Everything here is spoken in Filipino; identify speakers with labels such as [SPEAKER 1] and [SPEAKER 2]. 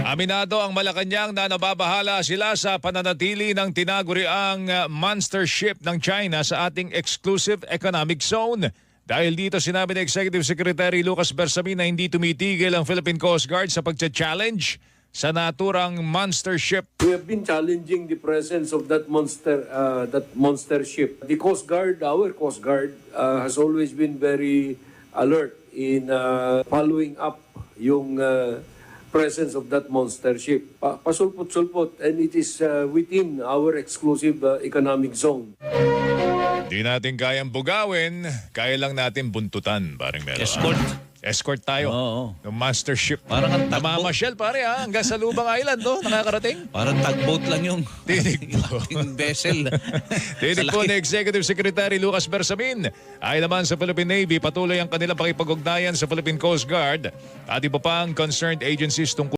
[SPEAKER 1] Aminado ang Malacanang na nababahala sila sa pananatili ng tinaguriang monster ship ng China sa ating exclusive economic zone. Dahil dito sinabi ni Executive Secretary Lucas Bersamin na hindi tumitigil ang Philippine Coast Guard sa pagcha-challenge sa naturang monster ship.
[SPEAKER 2] We have been challenging the presence of that monster ship. The Coast Guard, our Coast Guard, has always been very alert in following up yung presence of that monster ship. Pasulpot-sulpot, and it is within our exclusive economic zone.
[SPEAKER 1] Di natin kayang bugawin, kaya lang natin buntutan, parang meron. Escort tayo.
[SPEAKER 3] Oo.
[SPEAKER 1] Ng monster ship.
[SPEAKER 3] Parang ang tagboat.
[SPEAKER 1] Namamasyal pare ha, hanggang sa Lubang Island nakakarating.
[SPEAKER 3] Parang tugboat lang yung
[SPEAKER 1] Tinig po.
[SPEAKER 3] ating vessel.
[SPEAKER 1] Tinig po ni Executive Secretary Lucas Bersamin. Ay naman sa Philippine Navy, patuloy ang kanilang pakipag-ugnayan sa Philippine Coast Guard at iba pang concerned agencies tungkol